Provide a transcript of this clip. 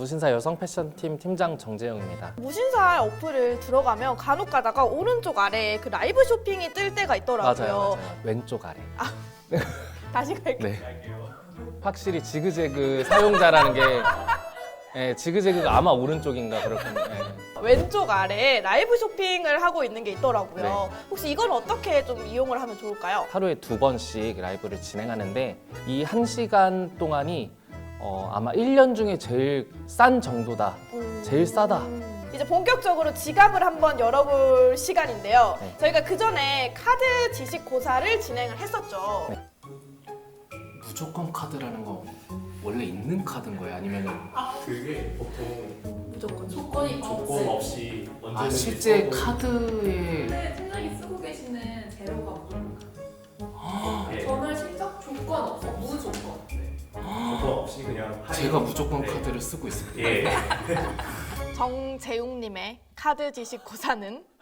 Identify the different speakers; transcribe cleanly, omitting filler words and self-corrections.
Speaker 1: 무신사 여성 패션팀 팀장 정재영입니다.
Speaker 2: 무신사 어플을 들어가면 간혹 가다가 오른쪽 아래에 그 라이브 쇼핑이 뜰 때가 있더라고요.
Speaker 1: 맞아요. 왼쪽 아래.
Speaker 2: 다시 갈게요.
Speaker 1: 네. 확실히 지그재그 사용자라는 게 지그재그가 아마 오른쪽인가 그렇군요.
Speaker 2: 왼쪽 아래에 라이브 쇼핑을 하고 있는 게 있더라고요.
Speaker 1: 네.
Speaker 2: 혹시 이건 어떻게 좀 이용을 하면 좋을까요?
Speaker 1: 하루에 2번씩 라이브를 진행하는데 이 1시간 동안이 아마 1년 중에 제일 싼 정도다. 제일 싸다.
Speaker 2: 이제 본격적으로 지갑을 한번 열어볼 시간인데요.
Speaker 1: 네.
Speaker 2: 저희가 그 전에 카드 지식 고사를 진행을 했었죠.
Speaker 1: 네. 무조건 카드라는 거 원래 있는 카드인 거예요? 아니면은
Speaker 3: 그게 보통
Speaker 2: 무조건
Speaker 4: 조건이
Speaker 3: 조건 없이 언제든지
Speaker 1: 실제
Speaker 3: 써도
Speaker 1: 카드에
Speaker 4: 근데 팀장이 쓰고 계시는 재료가 무조건
Speaker 3: 예,
Speaker 4: 저는 실적 조건 없어 무조건
Speaker 3: 조건 없이 그냥 할인.
Speaker 1: 제가 무조건
Speaker 3: 네.
Speaker 1: 카드를 쓰고 있습니다.
Speaker 3: 예.
Speaker 2: 정재웅님의 카드 지식 고사는